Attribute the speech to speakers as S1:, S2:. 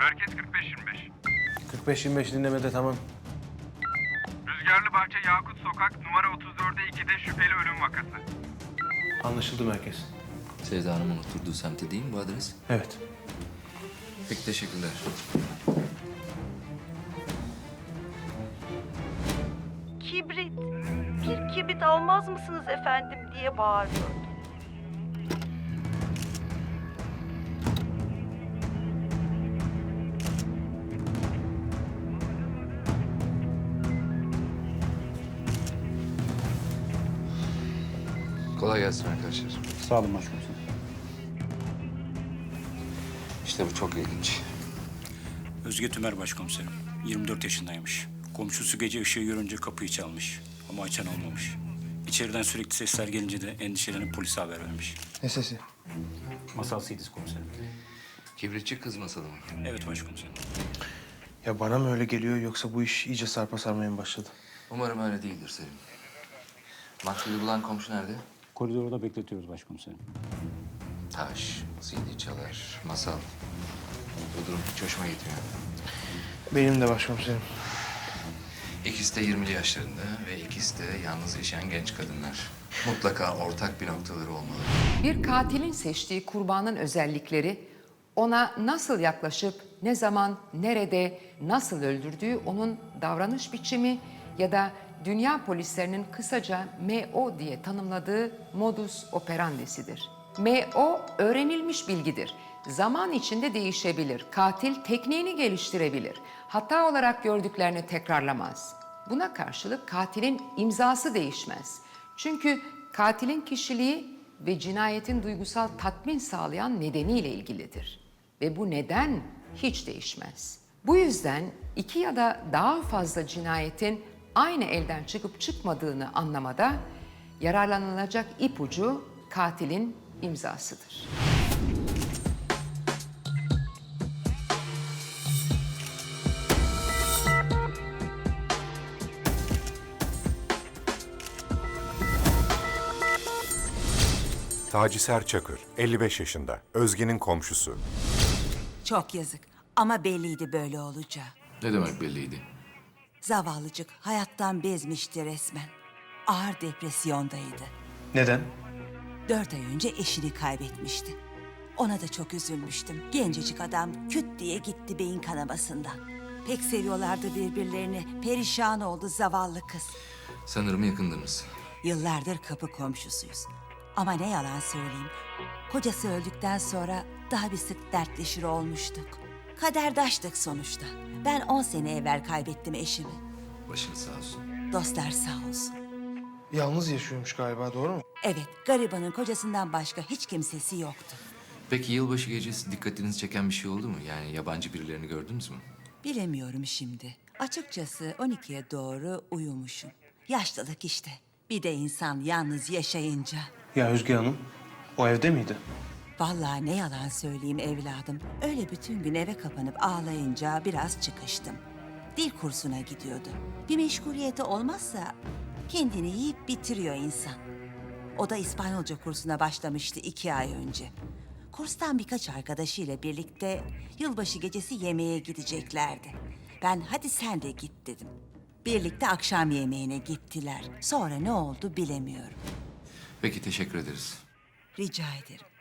S1: Merkez 45-25.
S2: 45-25 dinlemede tamam.
S1: Rüzgarlı Bahçe Yakut Sokak numara 34'e 2'de şüpheli ölüm vakası.
S2: Anlaşıldı merkez.
S3: Sevda Hanım'ın oturduğu semtte değil mi bu adres?
S2: Evet.
S3: Peki teşekkürler.
S4: Kibrit, bir kibrit almaz mısınız efendim diye bağırıyor.
S3: Kolay gelsin arkadaşlar.
S5: Sağ olun başkomiserim.
S3: İşte bu çok ilginç.
S5: Özge Tümer başkomiserim. 24 yaşındaymış. Komşusu gece ışığı görünce kapıyı çalmış. Ama açan olmamış. İçeriden sürekli sesler gelince de endişelenip polise haber vermiş.
S2: Ne sesi?
S5: Masal Sidiz komiserim.
S3: Kibritçi kız masalı mı?
S5: Evet başkomiserim.
S2: Ya bana mı öyle geliyor yoksa bu iş iyice sarpa sarmaya mı başladı?
S3: Umarım öyle değildir Selim. Maktulü bulan komşu nerede?
S5: Koridorda bekletiyoruz başkomiserim.
S3: Taş, CD çalar, masal. Bu durum hiç hoşuma gitmiyor.
S2: Benim de başkomiserim.
S3: İkisi de 20'li yaşlarında ve ikisi de yalnız yaşayan genç kadınlar. Mutlaka ortak bir noktaları olmalı.
S6: Bir katilin seçtiği kurbanın özellikleri, ona nasıl yaklaşıp, ne zaman, nerede, nasıl öldürdüğü onun davranış biçimi ya da dünya polislerinin kısaca MO diye tanımladığı modus operandisidir. MO öğrenilmiş bilgidir. Zaman içinde değişebilir. Katil tekniğini geliştirebilir. Hata olarak gördüklerini tekrarlamaz. Buna karşılık katilin imzası değişmez. Çünkü katilin kişiliği ve cinayetin duygusal tatmin sağlayan nedeniyle ilgilidir. Ve bu neden hiç değişmez. Bu yüzden iki ya da daha fazla cinayetin aynı elden çıkıp çıkmadığını anlamada yararlanılacak ipucu katilin imzasıdır.
S7: Taci Serçakır, 55 yaşında, Özge'nin komşusu.
S8: Çok yazık ama belliydi böyle olacağı.
S3: Ne demek belliydi?
S8: Zavallıcık hayattan bezmişti resmen. Ağır depresyondaydı.
S2: Neden?
S8: 4 ay önce eşini kaybetmişti. Ona da çok üzülmüştüm. Gencecik adam küt diye gitti beyin kanamasından. Pek seviyorlardı birbirlerini. Perişan oldu zavallı kız.
S3: Sanırım yakındınız.
S8: Yıllardır kapı komşusuyuz. Ama ne yalan söyleyeyim. Kocası öldükten sonra daha bir sık dertleşir olmuştuk. Kaderdaştık sonuçta. Ben 10 sene evvel kaybettim eşimi.
S3: Başınız sağ olsun.
S8: Dostlar sağ olsun.
S2: Yalnız yaşıyormuş galiba, doğru mu?
S8: Evet, garibanın kocasından başka hiç kimsesi yoktu.
S3: Peki yılbaşı gecesi dikkatinizi çeken bir şey oldu mu? Yani yabancı birilerini gördünüz mü?
S8: Bilemiyorum şimdi. Açıkçası 12'ye doğru uyumuşum. Yaşlılık işte. Bir de insan yalnız yaşayınca.
S2: Ya Özge Hanım, o evde miydi?
S8: Vallahi ne yalan söyleyeyim evladım. Öyle bütün gün eve kapanıp ağlayınca biraz çıkıştım. Dil kursuna gidiyordu. Bir meşguliyeti olmazsa kendini yiyip bitiriyor insan. O da İspanyolca kursuna başlamıştı 2 ay önce. Kurstan birkaç arkadaşıyla birlikte yılbaşı gecesi yemeğe gideceklerdi. Ben hadi sen de git dedim. Birlikte akşam yemeğine gittiler. Sonra ne oldu bilemiyorum.
S3: Peki teşekkür ederiz.
S8: Rica ederim.